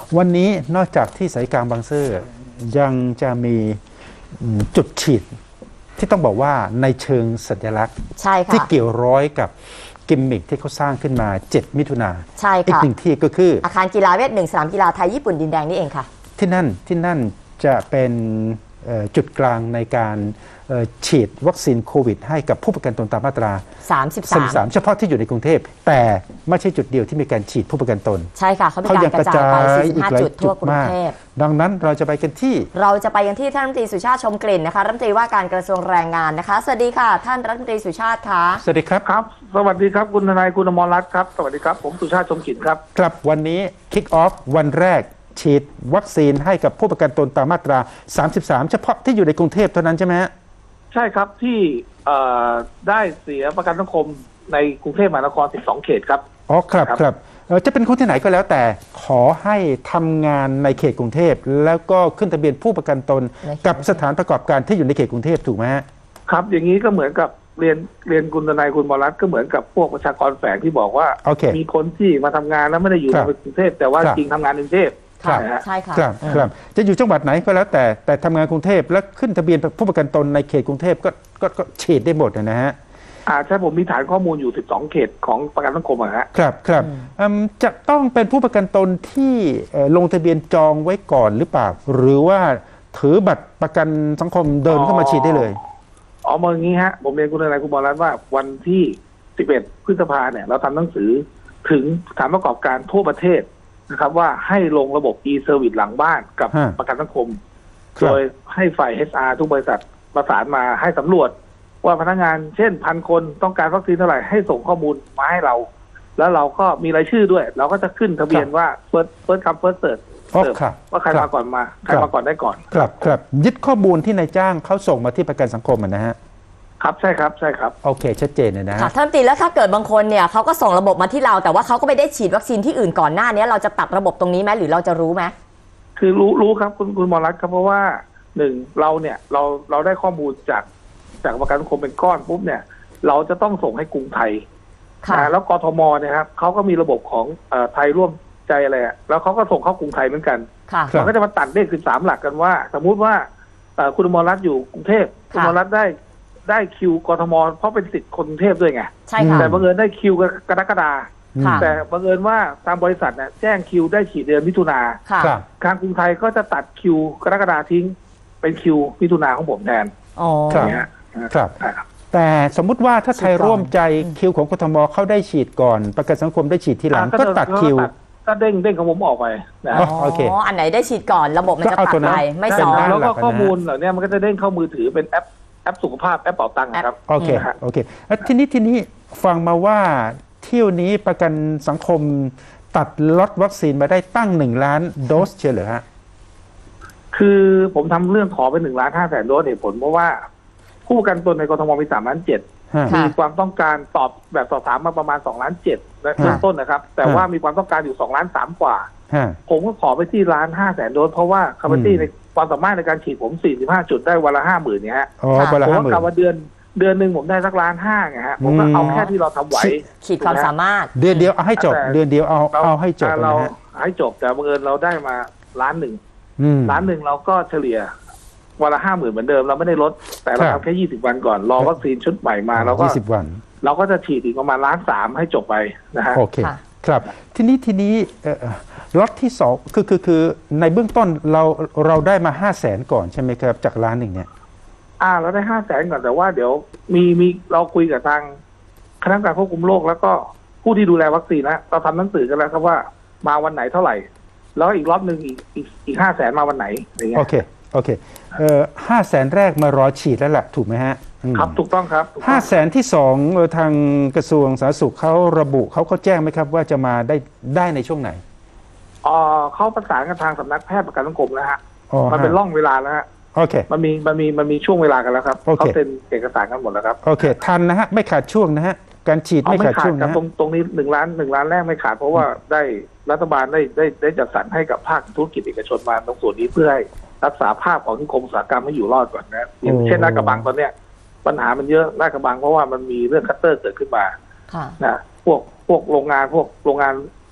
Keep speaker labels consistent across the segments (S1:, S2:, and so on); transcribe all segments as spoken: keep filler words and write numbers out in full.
S1: วันนี้นอกจากที่สายกลางบางซื่อยังจะมีจุดฉีดที่ต้องบอกว่าในเชิงสัญลักษณ์
S2: ใช่ค่ะ
S1: ที่เกี่ยวร้อยกับกิมมิคที่เขาสร้างขึ้นมาเจ็ดมิถุนา
S2: ใช่ค่ะ
S1: อีกหนึ่งที่ก็คือ
S2: อาคารกีฬาเวทหนึ่งสนามกีฬาไทยญี่ปุ่นดินแดงนี่เองค่ะ
S1: ที่นั่นที่นั่นจะเป็นจุดกลางในการฉีดวัคซีนโควิดให้กับผู้ประกันตนตามมาตรา
S2: สามสิบสาม
S1: เฉพาะที่อยู่ในกรุงเทพแต่ไม่ใช่จุดเดียวที่มีการฉีดผู้ประกันตน
S2: ใช่ค่ะเขามีการกระจายไปสี่สิบห้าจุดทั่วกรุงเทพ
S1: ดังนั้นเราจะไปกันที่
S2: เราจะไปกันที่ท่านรัฐมนตรีสุชาติชมกลิ่นนะคะรัฐมนตรีว่าการกระทรวงแรงงานนะคะสวัสดีค่ะท่านรัฐมนตรีสุชาติค่ะ
S1: สวัสดีครับ
S3: ครับสวัสดีครับคุณทนายคุณอมรรัตน์ครับสวัสดีครับผมสุชาติชมกลิ่นครับ
S1: ครับวันนี้คิกออฟวันแรกฉีดวัคซีนให้กับผู้ประกันตนตามมาตราสามสิบสามเฉพาะที่อยู่ในกรุงเทพเท่านั้นใช่ไหมฮะ
S3: ใช่ครับที่ได้เสียประกันสังคมในกรุงเทพมหานครสิบสองเขตครับ
S1: อ๋อครับครับจะเป็นคนที่ไหนก็แล้วแต่ขอให้ทำงานในเขตกรุงเทพแล้วก็ขึ้นทะเบียนผู้ประกันตนกับสถานประกอบการที่อยู่ในเขตกรุงเทพถูกไหมฮะ
S3: ครับอย่างนี้ก็เหมือนกับเรียนเรียนคุณทนายคุณอมรรัตน์ก็เหมือนกับพวกประชากรแฝงที่บอกว่า
S1: okay.
S3: มีคนที่มาทำงานแล้วไม่ได้อยู่ในกรุงเทพแต่ว่าจริงทำงานในกรุงเทพ
S1: ครับ
S2: ใช่ค่ะ
S1: ครับครับจะอยู่จังหวัดไหนก็แล้วแต่แต่ทำงานกรุงเทพและขึ้นทะเบียนผู้ประกันตนในเขตกรุงเทพก็ก็ก็ฉีดได้หมดนะฮะ
S3: อ่าใช่ผมมีฐานข้อมูลอยู่สิบสองเขตของประกันสังคมอะฮะ
S1: ครับครับจะต้องเป็นผู้ประกันตนที่ลงทะเบียนจองไว้ก่อนหรือเปล่าหรือว่าถือบัตรประกันสังคมเดินเข้ามาฉีดได้เลย
S3: อ๋อมาอย่างนี้ฮะผมเรียนคุณทนายคุณอมรรัตน์ว่าวันที่สิบเอ็ดพฤษภาเนี่ยเราทำหนังสือถึงสถานประกอบการทั่วประเทศนะครับว่าให้ลงระบบ e-service หลังบ้านกับประกันสังคมโดยให้ฝ่าย เอช อาร์ ทุกบริษัทประสานมาให้สำรวจว่าพนักงานเช่นพันคนต้องการวัคซีนเท่าไหร่ให้ส่งข้อมูลมาให้เราแล้วเราก็มีรายชื่อด้วยเราก็จะขึ้นทะเบียนว่า first first come first serve ว่าใครมาก่อนมาใครมาก่อนได้ก่อน
S1: ครับครับยึดข้อมูลที่นายจ้างเขาส่งมาที่ประกันสังคมนะฮะ
S3: ครับใช่ครับใช่ครับ
S1: โอเคชัดเจนเลยนะ
S2: ค่ะท่านตีแล้วถ้าเกิดบางคนเนี่ยเขาก็ส่งระบบมาที่เราแต่ว่าเขาก็ไม่ได้ฉีดวัคซีนที่อื่นก่อนหน้านี้เราจะตัดระบบตรงนี้ไหมหรือเราจะรู้ไหม
S3: คือรู้รู้ครับคุณคุณอมรรัตน์ครับเพราะว่าหนึ่งเราเนี่ยเราเราได้ข้อมูลจากจากประกันสังคมเป็นก้อนปุ๊บเนี่ยเราจะต้องส่งให้กรุงไทยนะแล้วกทมเนี่ยครับเขาก็มีระบบของไทยร่วมใจอะไรอ่ะแล้วเขาก็ส่งเข้ากรุงไทยเหมือนกันมันก็จะมาตัดเลขสิบสามหลักกันว่าสมมุติว่าคุณอมรรัตน์อยู่กรุงเทพคุณอมรรัตน์ได้ได้คิวกทมเพราะเป็นสิทธิ์คนกรุงเทพด้วยไง
S2: ใช่ค่ะ
S3: แต่บังเอิญได้คิวกรกฎาคมแต่บังเอิญว่าทางบริษัทเนี่ยแจ้งคิวได้ฉีดเดือนมิถุนาทางกรุงไทยก็จะตัดคิวกรกฎาคมทิ้งเป็นคิวมิถุนาของผมแทน
S1: อ๋อครับแต่สมมุติว่าถ้าไทยร่วมใจคิวของกทมเข้าได้ฉีดก่อนประกันสังคมได้ฉีดทีหลังก็ตัดคิว
S3: ก็เด้งเด้งของผมออกไปนะ
S2: อ๋ออันไหนได้ฉีดก่อนระบบมันจะตัดไปไม่ซ้อน
S3: แล้วก็ข้อมูลเหล่านี้มันก็จะเด้งเข้ามือถือเป็นแอปแอปสุขภาพแอปเป๋าตังค์ครับ
S1: โอเคโอเคแล้วทีนี้ทีนี้ฟังมาว่าเที่ยวนี้ประกันสังคมตัดล็อตวัคซีนมาได้ตั้งหนึ่งล้านโดสเชียวเหรอฮะ
S3: คือผมทำเรื่องขอไปหนึ่งล้านห้าแสนโดสเหตุผลเพราะว่าผู้ประกันตนในกทมมีสามล้านเจ็ดมีความต้องการตอบแบบสอบถามมาประมาณสองล้านเจ็ดในเริ่มต้นนะครับแต่ว่ามีความต้องการอยู่สองล้านสามกว่าผมก็ขอไปที่ล้านห้าแสนโดสเพราะว่าแคปาซิตี้ในความสามารถในการฉีดผมสี่สิบห้าจุดได้วันละห้าหมื่นเนี่ยฮะผมก็กะว่าเดือนเดือนหนึ่งผมได้สักล้านห้าไงฮะผมก็เอาแค่ที่เราทำไหว
S2: ขีดความสามารถ
S1: เดือนเดียวเอาให้จบเดือนเดียวเอาเอาให้จบ
S3: เราให้จบแต่บังเอิญเราได้มาล้านหนึ่งล้านหนึ่งเราก็เฉลี่ยวันละห้าหมื่นเหมือนเดิมเราไม่ได้ลดแต่เราทำแค่ยี่สิบวันก่อนรอวัคซีนชุดใหม่มาเราก็
S1: ยี่สิบวัน
S3: เราก็จะฉีดอีกประมาณล้านสามให้จบไปนะฮะ
S1: โอเคครับทีนี้ทีนี้ล็อตที่สองคือคือคือในเบื้องต้นเราเราได้มาห้าแสนก่อนใช่ไหมครับจากล้านหนึ่งเนี่ย
S3: อ่าเราได้ห้าแสนก่อนแต่ว่าเดี๋ยวมีมีเราคุยกับทางคณะกรรมการควบคุมโรคแล้วก็ผู้ที่ดูแลวัคซีนนะเราทำหนังสือกันแล้วครับว่ามาวันไหนเท่าไหร่แล้วอีกรอบหนึ่งอีกอีกอีกห้าแสนมาวันไหนอย่างเงี้ย
S1: โอเคโอเคเอ่อห้าแสนแรกมารอฉีดแล้วแหละถูกไหมฮะ
S3: ครับถูกต้องครับ
S1: ห้าแสนที่สองทางกระทรวงสาธารณสุขเขาระบุเขาเขาแจ้งไหมครับว่าจะมาได้ได้ในช่วงไหน
S3: อ๋อเขาประสานกับทางสำนักแพทย์ประกันสังคมแล้วฮะมันเป็นร่องเวลาแล้วฮะ
S1: โอเค
S3: มันมีมันมีมันมีช่วงเวลากันแล้วครับเขาเซ็นเอกสารกันหมดแล้วครับ
S1: โอเคทันนะฮะไม่ขาดช่วงนะฮะการฉีดไม่ขาดช่วงนะ
S3: ตรงตรงนี้หนึ่งล้านหนึ่งล้านแรกไม่ขาดเพราะว่าได้รัฐบาลได้ได้ได้จัดสรรให้กับภาคธุรกิจเอกชนมาตรงส่วนนี้เพื่อให้รักษาภาพของนิคมอุตสาหกรรมให้อยู่รอดก่อนนะอย่างเช่นลาดกระบังตอนเนี้ยปัญหามันเยอะลาดกระบังเพราะว่ามันมีเรื่องคัตเตอร์เกิดขึ้นมานะพวกพวกโรงงานพวกโรงงาน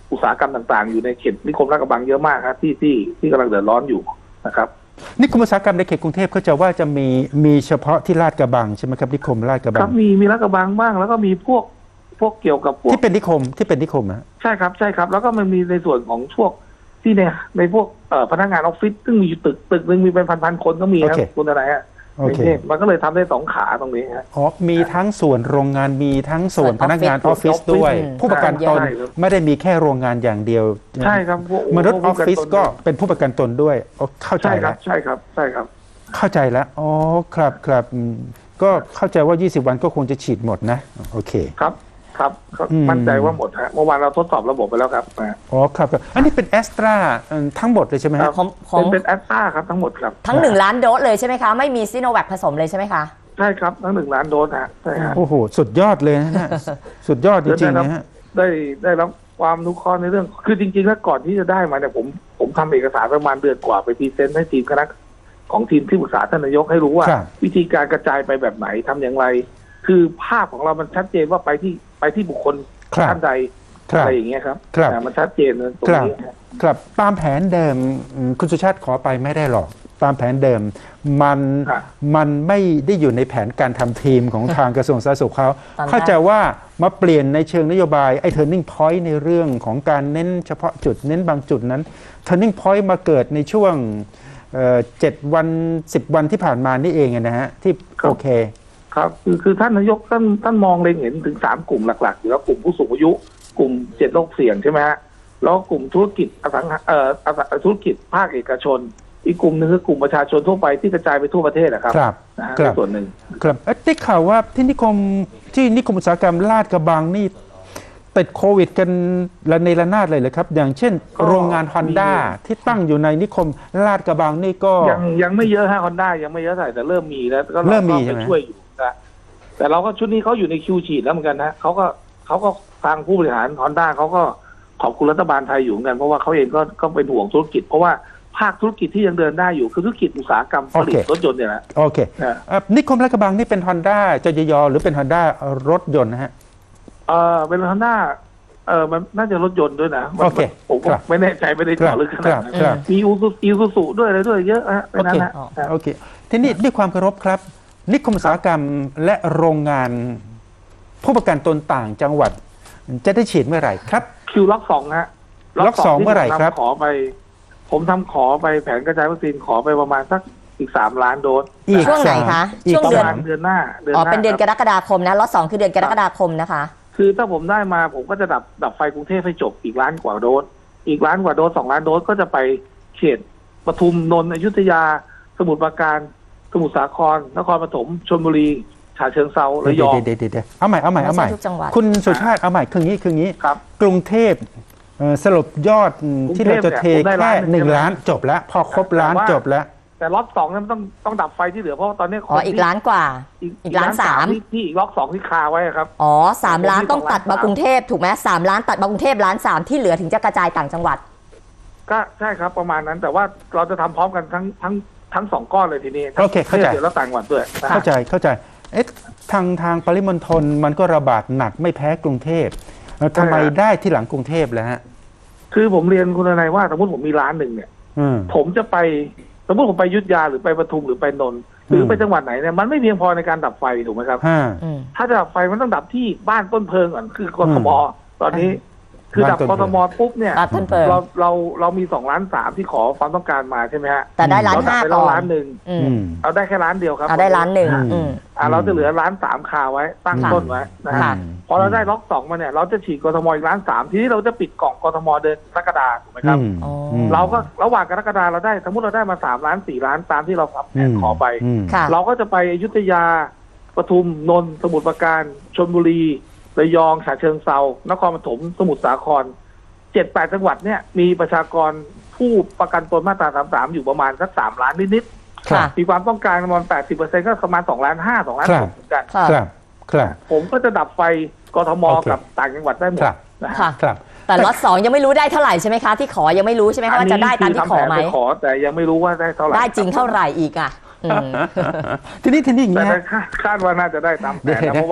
S3: อุตสาหกรรมต่างๆอยู่ในเขตนิคมลาดกระบังเยอะมากครับที่ที่ที่กำลังเดือดร้อนอยู่นะครับ
S1: นิคมอุตสาหกรรมในเขตกรุงเทพเขาจะว่าจะมีมีเฉพาะที่ลาดกระบังใช่ไหมครับนิคมลาดกระบั
S3: ครั
S1: ง
S3: บมีมีลาดกระบังบ้างแล้วก็มีพวกพวกเกี่ยวกับพวก
S1: ที่เป็นนิคมที่เป็นนิคมอะ
S3: ใช่ครับใช่ครับแล้วก็มันมีในส่วนของพวกที่ในในพวกเอ่อพนักงานออฟฟิศซึ่งมีอยู่ตึกตึกหนึ่งมีเป็นพันๆคนก็มีครับคุณอะไรฮะ
S1: โอเค
S3: มันก็เลยทำได้สองขาตรงนี้ฮะ
S1: อ๋อมีทั้งส่วนโรงงานมีทั้งส่วน
S2: ส่วน
S1: พนักงานอ
S2: อ
S1: อ
S2: อ
S1: ฟ
S2: ฟฟิ
S1: ฟิศ
S2: ศ
S1: ด้วย
S2: อืม
S1: ผู้ประกันตน
S3: ใช่ครับ
S1: ไม่ได้มีแค่โรงงานอย่างเดียว
S3: ใช่ครับพวก
S1: มนุษย์ออฟฟิศก็
S3: พว
S1: เป็นผู้ประกันตนด้วยอ๋อเข้าใจ
S3: ใช่ครั
S1: แล้
S3: บ
S1: ว
S3: ใช่ครับใช่ครับ
S1: เข้าใจแล้วอ๋อครับครับอืมก็เข้าใจว่ายี่สิบวันก็คงจะฉีดหมดนะโอเค
S3: ครับครับก็
S1: อืม
S3: มั่นใจว่าหมดฮะเมื่อวานเราทดสอบระบบไปแล้วครับนะ
S1: อ๋อครับครับอันนี้เป็นแอสตราทั้งหมดเลยใช่ไหมฮะ
S2: ของของ
S3: เป็นเป็นแอสตราครับทั้งหมดครับ
S2: ทั้งหนึ่งล้านโดสเลยใช่ไหมคะ ไม่มีซิโนแวคผสมเลยใช่ไหมคะ
S3: ใช่ครับทั้งหนึ่งล้านโดสฮะใช่ฮะ
S1: โอ้โหสุดยอดเลยนะฮะสุดยอดจริงๆนะฮะ
S3: ได้ได้รับความรู้ข้อในเรื่อง คือจริงๆแล้วก่อนที่จะได้มาเนี่ยผมผมทำเอกสารประมาณเดือนกว่าไปพรีเซนต์ให้ทีมคณะของทีมที่ปรึกษาท่านนายกให้รู้ว่า
S1: ครับ
S3: วิธีการกระจายไปแบบไหนทำอย่างไร คือภาพของเรามันชัดเจนว่าไปที่ไปที่บุคคล
S1: ครับ
S3: ท่านใด
S1: ครับ
S3: อะไรอย่างเงี้ยครับ
S1: ครับ
S3: อ่ามันชัดเจนเลยตรง
S1: ครับ
S3: นี้ฮะ
S1: ครับตามแผนเดิมอืมคุณสุชาติขอไปไม่ได้หรอก ตามแผนเดิม มัน
S3: ครับ
S1: มันไม่ได้อยู่ในแผนการทำทีมของทางกระทรวงสาธารณสุขเขา
S2: ตามแผน
S1: เข้าใจว่ามาเปลี่ยนในเชิงนโยบายไอ้ turning point ในเรื่องของการเน้นเฉพาะจุดเน้นบางจุดนั้น turning point มาเกิดในช่วงเอ่อเจ็ดวันสิบวันที่ผ่านมานี่เองอะนะฮะที่โอเค
S3: ครับคือคือท่านนายกท่านท่านมองเล็งเห็นถึงสามกลุ่มหลักๆอยู่แล้วกลุ่มผู้สูงอายุ กลุ่มเจ็ดโรคเสี่ยงใช่ไหมฮะแล้วก็กลุ่มธุรกิจอสังหาเอ่ออสังธุรกิจภาคเอกชน อีกกลุ่มหนึ่งคือกลุ่มประชาชนทั่วไปที่กระจายไปทั่วประเทศนะครับ
S1: ครับ
S3: นะฮะ
S1: ครับ
S3: ในส่วนหนึ่ง
S1: ครับเอ๊ะได้ข่าวว่าที่นิคมที่นิคมอุตสาหกรรมลาดกระบังนี่ติดโควิดกันระเนระนาดเลยเลยครับ อย่างเช่น โรงงานฮอนด้าที่ตั้งอยู่ในนิคมลาดกระบังนี่ก็
S3: ยังยังไม่เยอะฮะฮอนด้ายังไม่เยอะเท่าไหร่แต่เริ่มมีแล้วก็า
S1: เริ่มมี
S3: ก็
S1: ใช่ไหม
S3: ไปช่วยอยู่นะแต่เราก็ชุดนี้เขาอยู่ในคิวฉีดแล้วเหมือนกันนะเขาก็เขาก็ทางผู้บริหารฮอนด้าเขาก็ขอบคุณรัฐบาลไทยอยู่เหมือนกันเพราะว่าเขาเองก็ก็เป็นห่วงธุรกิจ เพราะว่าภาคธุรกิจที่ยังเดินได้อยู่คือธุรกิจอุตสาหกรรมผลิตรถยนต์เนี่ยนะ
S1: โอเค
S3: นะ
S1: เอ่อนิคมลาดกระบังนี่เป็นฮอนด้าจยยหรือเป็นฮอนด้ารถยนต์นะฮะ
S3: เออเป็นฮอนด้าเออมันน่าจะรถยนต์ด้วยนะมัน
S1: โอเค
S3: ผมก็
S1: ครับ
S3: ไม่แน่ใจไม่ได้
S1: ครั
S3: เจาะ
S1: บ
S3: ลึกข
S1: ค
S3: นาด
S1: รับ
S3: นั้น
S1: ครับ
S3: มีอูซูอีซูซูด้วยอะไรด้วยเยอะฮะในนั้นนะ
S2: โอเค
S3: ครับ
S1: โอเคทีนี้ด้วยความเคารพครับ นิคมอุตสาหกรรมและโรงงานผู้ประกันตนต่างจังหวัด จะได้ฉีดเมื่อไหร่ครับ
S3: คิวล็อกสองฮะ
S1: ล็อกสองเมื่อไหร่ครับ
S3: ที่ผมทำขอไป ผมทำขอไปแผนกระจายวัคซีนขอไปประมาณสักอีกสามล้านโดส
S1: อีก
S2: ช่วงไหน
S1: สาม
S2: คะ
S1: อีก
S2: ช่วง
S3: ประ
S2: เดือน
S3: มาณเดือนหน้าเดือน
S2: อ๋อ
S3: หน้า
S2: เป็นเดือนก
S3: ครับ
S2: รกฎาคมนะล็อตสองคือเดือนกรกฎาคมนะคะ
S3: คือถ้าผมได้มาผมก็จะดับดับไฟกรุงเทพให้จบอีกล้านกว่าโดส อีกล้านกว่าโดสสองล้านโดสก็จะไปเขตปทุมนนท์อยุธยา สมุทรปราการ สมุทรสาครนครปฐมชลบุรีฉะเชิงเทราระยอง
S1: เดี๋ยวเดี๋ยวเดี๋ยวเอาใหม่เอาใหม่เอาใหม่
S2: ไม่ใช่ทุกจังหวัด
S1: คุณสุชาติเอาใหม่คืองี้คืองี้
S3: ครับ
S1: กรุงเทพเอ่อสรุปยอดที่เราจะเท
S3: กรุงเทพเนี่ยผมได้
S1: แค่
S3: ล้านหนึ่ง
S1: หนึ่ง
S3: ใช่ไหม
S1: ล้านจบแล้ว พอครบล้าน
S3: แต่ว่า
S1: จบแล้ว
S3: แต่ล็อตสองนั้นต้องต้องดับไฟที่เหลือเพราะว่าตอนนี้คน
S2: อ๋ออีก
S3: ที่
S2: ล้านกว่า
S3: อีก
S2: อีกล้านสาม
S3: ที่ที่อีกล็อกสองที่คาไว้ครับ
S2: อ๋อสามล้าน
S3: ผมมี
S2: ต้องตัด
S3: สอง
S2: มา
S3: ล้าน
S2: กรุงเทพถูกไหมสามล้านตัดมากรุงเทพล้านสามที่เหลือถึงจะกระจายต่างจังหวัด
S3: ก็ใช่ครับประมาณนั้น แต่ว่าเราจะทำพร้อมกันทั้งทั้งทั้งสองก้อนเลยทีนี้
S1: โอเคเข้าใจ
S3: เดี๋ยวเราต่างจังหวัดด้วยนะ
S1: เข้าใจเข้าใจเอ๊ะทางทางปริมณฑลมันก็ระบาดหนักไม่แพ้กรุงเทพเอ่อทำไมได้ที่หลังกรุงเทพแล้วฮะ
S3: คือผมเรียนคุณนายว่าสมมติผมมีร้านหนึ่งเนี่ย
S1: อืม
S3: ผมจะไปสมมติผมไปอยุทธยาหรือไปปทุมหรือไปนนท์หรือ
S1: ม
S3: ไปจังหวัดไหนเนี่ยมันไม่เพียงพอในการดับไฟถูกไหมครับ
S1: ห้า
S2: อืม
S3: ถ้าจะดับไฟมันต้องดับที่บ้านต้นเพลิงก่อนคือกทมตอนนี้ คือดับ
S1: บ้านต้
S3: ก
S1: นเพลิ
S3: ท
S1: ง
S3: มปุ๊บเนี่ย
S2: บ้านต้นเพลิง
S3: เราเราเรามีสองล้านสามที่ขอความต้องการมาใช่ไหมฮะ
S2: แต่ได้ล้าน
S3: เราดั
S2: ห้า
S3: ไป
S2: ก่
S3: แล้ว
S2: อน
S3: ล้านหนึ่ง
S2: อืม
S1: อืม
S3: เอาได้แค่ล้านเดียวครับ
S2: เอาได้ล้านหนึ่ง
S1: อืม
S2: อืม
S3: อ่าเราจะเหลือล้านสามคาไว้ตั้ง
S2: ค่ะ
S3: ต้นไว้นะ
S2: ค่ะ
S3: ฮะพอเราได้ล็อกสองมาเนี่ยเราจะฉีดกทมอีกล้านสามทีนี้เราจะปิดกล่องกทมเดือนกรกฎาคมถูกไหมครับ
S1: อืม
S2: อ๋ออื
S1: ม
S3: เราก็ระหว่างกรกฎาเราได้สมมติเราได้มาสามล้านสี่ล้านตามที่เราทำแผนขอไป
S1: ม
S2: ค่ะ
S3: เราก็จะไปอยุธยาปทุมนนท์สมุทรปราการชลบุรีระยองฉะเชิงเทรานครปฐมสมุทรสาครเจ็ดแปดจังหวัดเนี่ยมีประชากรผู้ประกันตนมาตราสามสามอยู่ประมาณสักสามล้านนิด
S2: ค่ะ
S3: ๆมีความต้องการประมาณแปดสิบเปอร์เซ็นต์ก็ประมาณสองล้านห้าสองล้าน
S1: ครั
S3: ห
S1: บ
S3: กเหมือนกัน
S2: ค่ะ
S1: ครับครับ
S3: ผมก็จะดับไฟกทม
S1: โอเค
S3: กับต่างจังหวัดได้หมด
S1: ครับ
S3: นะฮะ
S2: ค่ะ
S1: ครับ
S2: แต่ล็อตสองยังไม่รู้ได้เท่าไหร่ใช่ไหมคะที่ขอยังไม่รู้ใช่ไหมคะว่าจะได้ตามที่ขอไหม
S3: นนี้คืทำแผนปขอแต่ยังไม่รู้ว่าได้เท่าไหร่
S2: ได้จริงเท่าไหร่อีกอ่ะอืม
S1: ทีนี้ทีนี้อย่าง
S3: แต่
S1: เงี้ย
S3: คาดคาดว่าน่าจะได้ตามแผน
S1: เดี๋ยว
S3: นะ
S1: นะ
S3: เพราะว่า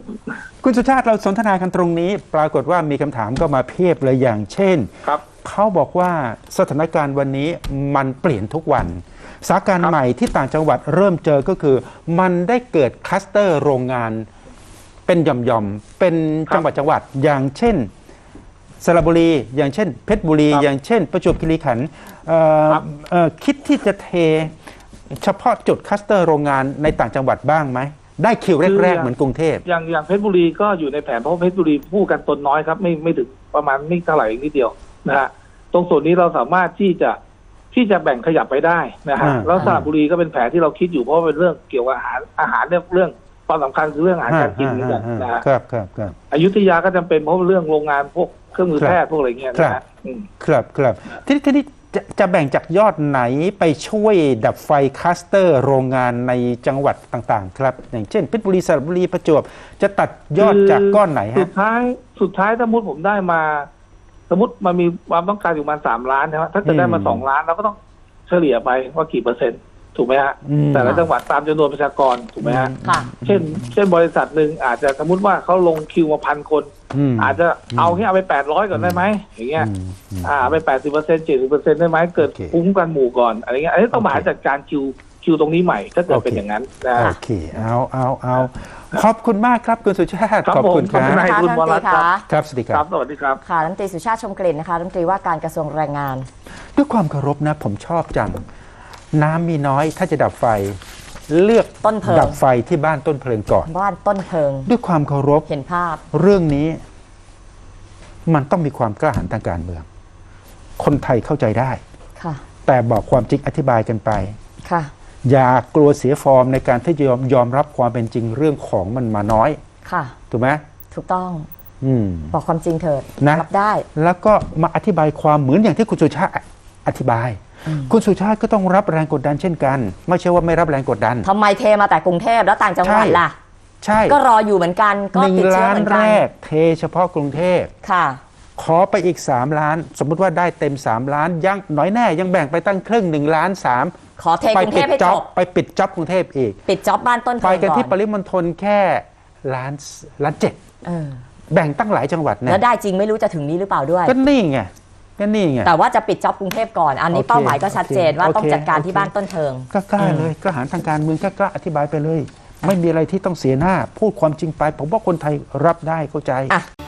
S1: คุณสุชาติเราสนทนากันตรงนี้ ปรากฏว่ามีคำถามก็มาเพียบเลยอย่างเช่น
S3: ครับ
S1: เขาบอกว่าสถานการณ์วันนี้มันเปลี่ยนทุกวันสถานการ
S3: ครั
S1: ณ์
S3: บ
S1: ใหม่ที่ต่างจังหวัดเริ่มเจอก็คือ มันได้เกิดคลัสเตอร์โรงงานเป็นหย่อมๆเป็นจังหวัดจังหวัดอย่างเช่นสระบุรีอย่างเช่นเพชรบุรี
S3: ครับ
S1: อย่างเช่น ประจวบคีรีขันธ์เอ่อ
S3: ครับ
S1: เอ่อคิดที่จะเทเฉพาะจุดคลัสเตอร์โรงงานในต่างจังหวัดบ้างไหมได้คิวแรกๆเหมือนกรุงเทพ
S3: อย่างอย่างเพชรบุรีก็อยู่ในแผนเพราะเพชรบุรีผู้กันตนน้อยครับไม่ไม่ถึงประมาณไม่เท่าไหร่นิดเดียวนะฮะตรงส่วนนี้เราสามารถที่จะที่จะแบ่งขยับไปได้นะฮะ
S1: อ่า
S3: แล้วสระบุรีก็เป็นแผนที่เราคิดอยู่เพราะว่าเป็นเรื่องเกี่ยวกับอาหารอาหารเนี่ยเรื่องความสำคัญคือเรื่องอาหารการกินเหมือนกันนะฮะ
S1: ครับครับครับ
S3: อยุธยาก็จำเป็นเพราะเรื่องโรงงานพวกเครื่องมือ
S1: ครับ
S3: แพทย์พวกอะไรเงี้ยนะ
S1: ครั
S3: ฮะ
S1: บ
S3: อืม
S1: ครับครับทีนี้ทีนี้จะจะแบ่งจากยอดไหนไปช่วยดับไฟคลัสเตอร์โรงงานในจังหวัดต่างๆ ครับ อย่างเช่นเพชรบุรีสระบุรีประจวบจะตัดยอดจากก้อนไหน
S3: สุ
S1: ฮะ
S3: ดท้ายสุดท้ายสมมติผมได้มา สมมติมันมีความต้องการอยู่ประมาณสามล้านใช่ไหมถ้าจะได้มา
S1: อืม
S3: สองล้านเราก็ต้องเฉลี่ยไปว่ากี่เปอร์เซ็นต์ถูกไหมฮะ
S1: อืม
S3: แต่ละจังหวัดตามจำนวนประชากรถูกไหมฮะ
S2: ค่ะ
S3: เช่น เช่นบริษัทหนึ่งอาจจะสมมติว่าเขาลงคิวมาพันคน
S1: ม
S3: อาจจะเอาแค่เอาไปแปดร้อยก่อนได้ไหมอย่างเงี้ย
S1: อืมอืม
S3: อ่าเอาไปแปดสิบเปอร์เซ็นต์เจ็ดสิบเปอร์เซ็นต์ได้ไหมเกิด
S1: โอเค
S3: คุ้มกันหมู่ก่อนอะไรเงี้ยอันนี้ต้องมาหา
S1: โอเค
S3: จัดการคิวคิวตรงนี้ใหม่ถ้าเกิด
S1: โอเค
S3: เป็นอย่างนั้นนะ
S1: โอเคเอาเอาเอาขอบคุณมากครับคุณสุชาติ
S3: ครับ
S1: ขอบคุณค
S3: ผม
S1: รับ
S3: ขอบคุณ ให้คุณวรัตน์ครับ
S1: ครับสวัสดีค
S3: ค
S1: รั
S3: รับ บสวัสดีครับ
S2: ค่ะรัฐมนตรีสุชาติชมกลิ่นนะคะรัฐมนตรีว่าการกระทรวงแรงงาน
S1: ด้วยความเคารพนะผมชอบจัง น้ำมีน้อยถ้าจะดับไฟ เลือก
S2: ต้นเพลิง
S1: ดับไฟที่บ้านต้นเพลิงก่อน
S2: บ้านต้นเพลิง
S1: ด้วยความเคารพ
S2: เห็นภาพ
S1: เรื่องนี้มันต้องมีความกล้าหาญทางการเมือง คนไทยเข้าใจได้
S2: ค่ะ
S1: แต่บอกความจริงอธิบายกันไป
S2: ค่ะ
S1: อย่ากลัวเสียฟอร์มในการที่จะยอมยอมรับความเป็นจริงเรื่องของมันมาน้อย
S2: ค่ะ
S1: ถูกไหม
S2: ถูกต้อง
S1: อืม
S2: บอกความจริงเถิด
S1: นะ
S2: รับได้
S1: แล้วก็มาอธิบายความเหมือนอย่างที่คุณสุชาติอธิบาย คุณสุชาติก็ต้องรับแรงกดดันเช่นกัน ไม่ใช่ว่าไม่รับแรงกดดัน
S2: ทำไมเทมาแต่กรุงเทพแล้วต่างจังหวัด
S1: ใช่
S2: ล่ะ
S1: ใช่
S2: ก็รออยู่เหมือนกัน ก็
S1: หนึ่ง
S2: ติดเชื้อ
S1: ล้า
S2: เห
S1: น
S2: มือน
S1: แร
S2: กัน
S1: กเทเฉพาะกรุงเทพ
S2: ค่ะ
S1: ขอไปอีก สาม ล้าน สมมุติว่าได้เต็ม สาม ล้าน ยังน้อยแน่ยังแบ่งไปตั้งครึ่งหนึ่งล้านสาม
S2: ขอเท
S1: ไป
S2: กรุงเท
S1: ปิ
S2: พ
S1: ด
S2: ให้
S1: จ็
S2: จ
S1: อบบ ไปปิดจ็อบกรุงเทพอีก
S2: ปิดจ็อบบ้านต้นเพ
S1: ไป
S2: ลิง
S1: กัน
S2: ก่อ
S1: ที่ป
S2: น
S1: ริมณฑลแค่ล้านล้านเจ็ด
S2: เออ
S1: แบ่งตั้งหลายจังหวัด
S2: แล้ว
S1: นะ
S2: ได้จริงไม่รู้จะถึงนี้หรือเปล่าด้วย
S1: ก็นี่ไงก็นี่ไง
S2: แต่ว่าจะปิดจ็อบกรุงเทพก่อน อันนี้
S1: โอเค
S2: เป้าหมายก็ชัดเจนว่า
S1: โอเค
S2: ต้องจัดการที่
S1: โอเค
S2: บ้านต้นเพลิง
S1: ก็กล้าเลยกล้าหาญทางการเมืองก็กล้าอธิบายไปเลย ไม่มีอะไรที่ต้องเสียหน้า พูดความจริงไป ผมว่าคนไทยรับได้เข้าใจ
S2: อ่ะ